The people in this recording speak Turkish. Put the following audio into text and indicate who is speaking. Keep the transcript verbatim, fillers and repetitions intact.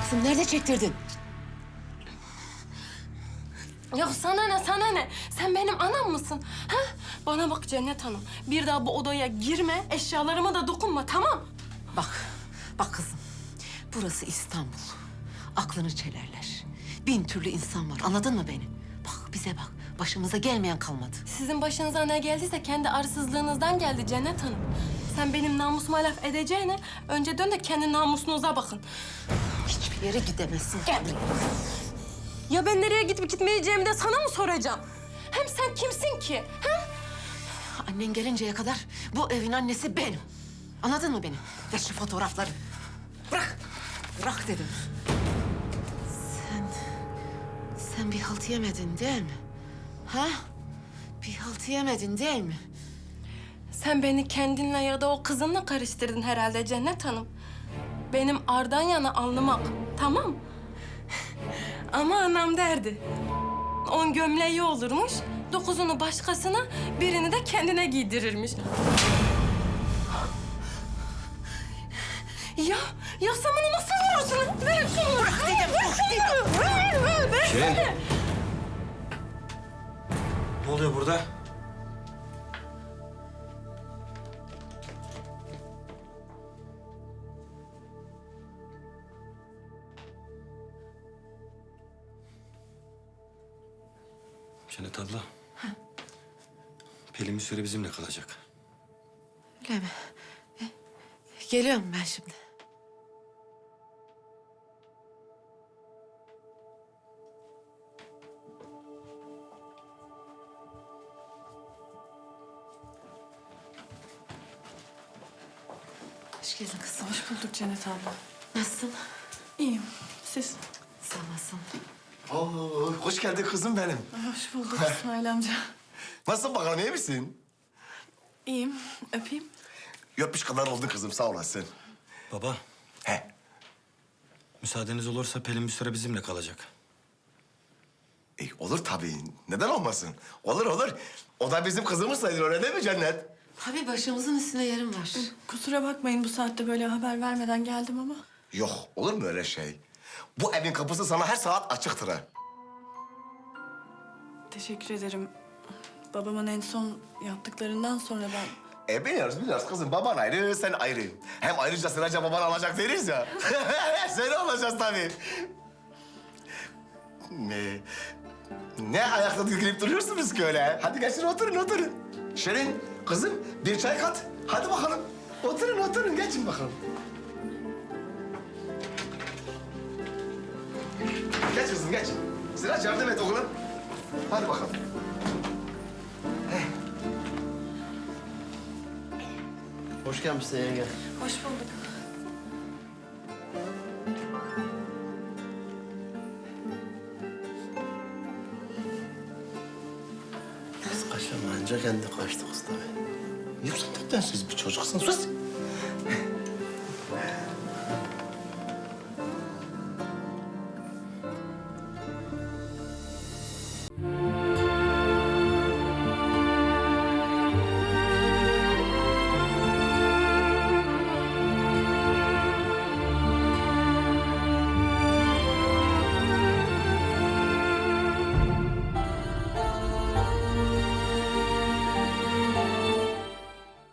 Speaker 1: Kızım nerede çektirdin?
Speaker 2: Ya sana ne, sana ne? Sen benim anam mısın? Ha? Bana bak Cennet Hanım. Bir daha bu odaya girme, eşyalarıma da dokunma, tamam?
Speaker 1: Bak, bak kızım. Burası İstanbul. Aklını çelerler. Bin türlü insan var. Anladın mı beni? Bak bize bak. Başımıza gelmeyen kalmadı.
Speaker 2: Sizin başınıza ne geldiyse kendi arsızlığınızdan geldi Cennet Hanım. Sen benim namusuma laf edeceğine önce dön de kendi namusunuza bakın.
Speaker 1: Hiçbir yere gidemezsin. Gel buraya.
Speaker 2: Ya ben nereye gidip gitmeyeceğimi de sana mı soracağım? Hem sen kimsin ki? Ha?
Speaker 1: Annen gelinceye kadar bu evin annesi benim. Anladın mı beni? Ver şu fotoğrafları. Bırak. Bırak dedim. Sen... Sen bir halt yemedin değil mi? Ha? Bir halt yemedin değil mi?
Speaker 2: Sen beni kendinle ya da o kızınla karıştırdın herhalde Cennet Hanım. Benim ardan yana alnımak, tamam. Ama anam derdi. On gömleği olurmuş, dokuzunu başkasına, birini de kendine giydirirmiş. Ya, ya sen bunu nasıl vurursun? Ver şunu!
Speaker 1: Bırak dedim, bırak dedim.
Speaker 2: Ver, ver, ver!
Speaker 3: Şirin. Ne oluyor burada? Cennet abla. Pelin bir süre bizimle kalacak.
Speaker 1: Öyle mi? E, geliyorum ben şimdi. Hoş geldin kızım.
Speaker 4: Hoş bulduk Cennet abla.
Speaker 1: Nasılsın?
Speaker 4: İyiyim. Siz?
Speaker 1: Sağ olasın.
Speaker 5: Oo, hoş geldin kızım benim.
Speaker 4: Hoş bulduk İsmail amca.
Speaker 5: Nasılsın bakalım, iyi misin?
Speaker 4: İyiyim. Öpeyim.
Speaker 5: Öpmüş kadar oldun kızım, sağ olasın.
Speaker 3: Baba,
Speaker 5: He,
Speaker 3: müsaadeniz olursa Pelin bir süre bizimle kalacak.
Speaker 5: e, olur tabii. Neden olmasın? Olur olur. O da bizim kızımız sayılır, öyle değil mi Cennet?
Speaker 1: Tabii başımızın üstünde yerim var.
Speaker 4: Kusura bakmayın bu saatte böyle haber vermeden geldim ama.
Speaker 5: Yok, olur mu öyle şey? Bu evin kapısı sana her saat açıktır ha.
Speaker 4: Teşekkür ederim. Babamın en son yaptıklarından sonra ben...
Speaker 5: E biliyoruz, biliyoruz kızım. Baban ayrı, sen ayrı. Hem ayrıca sıraca baban alacak deriz ya. Seni olacağız tabii. Ne? Ne ayakta dikilip duruyorsunuz ki öyle? Hadi geçin oturun, oturun. Şirin, kızım bir çay kat. Hadi bakalım. Oturun, oturun. Geçin bakalım. Geç kızım, geç. Sıraç yardım et oğlum. Hadi bakalım.
Speaker 6: Hoş gelmişsin yenge.
Speaker 4: Hoş bulduk.
Speaker 6: Kız kaçamayınca kendi kaçtı kız tabii.
Speaker 5: Yoksa neden siz bir çocuksun? Sus.